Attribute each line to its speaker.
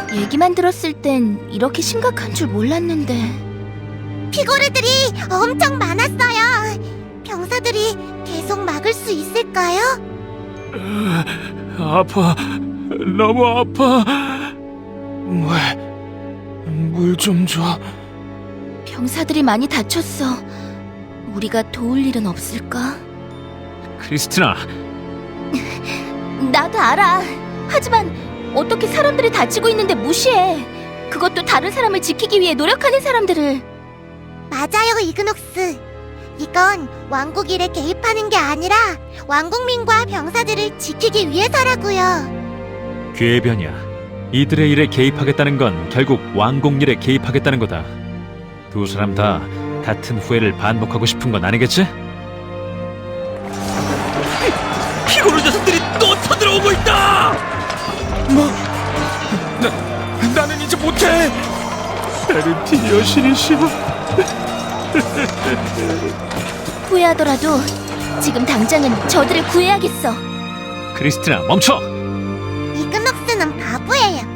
Speaker 1: 얘기만 들었을 땐 이렇게 심각한 줄 몰랐는데.
Speaker 2: 피고르들이 엄청 많았어요. 병사들이 계속 막을 수 있을까요?
Speaker 3: 아파. 너무 아파. 물 좀 줘.
Speaker 1: 병사들이 많이 다쳤어. 우리가 도울 일은 없을까?
Speaker 3: 크리스티나,
Speaker 1: 나도 알아. 하지만 어떻게 사람들이 다치고 있는데 무시해. 그것도 다른 사람을 지키기 위해 노력하는 사람들을.
Speaker 2: 맞아요, 이그녹스. 이건 왕국 일에 개입하는 게 아니라 왕국민과 병사들을 지키기 위해서라고요.
Speaker 3: 괴변이야. 이들의 일에 개입하겠다는 건 결국 왕국 일에 개입하겠다는 거다. 두 사람 다 같은 후회를 반복하고 싶은 건 아니겠지? 피고르 녀석들이 또 쳐들어오고 있다! 뭐? 나는 이제 못해! 베르티 여신이시여.
Speaker 1: 후회하더라도 지금 당장은 저들을 구해야겠어.
Speaker 3: 크리스티나, 멈춰!
Speaker 2: 이그녹스는 바보예요.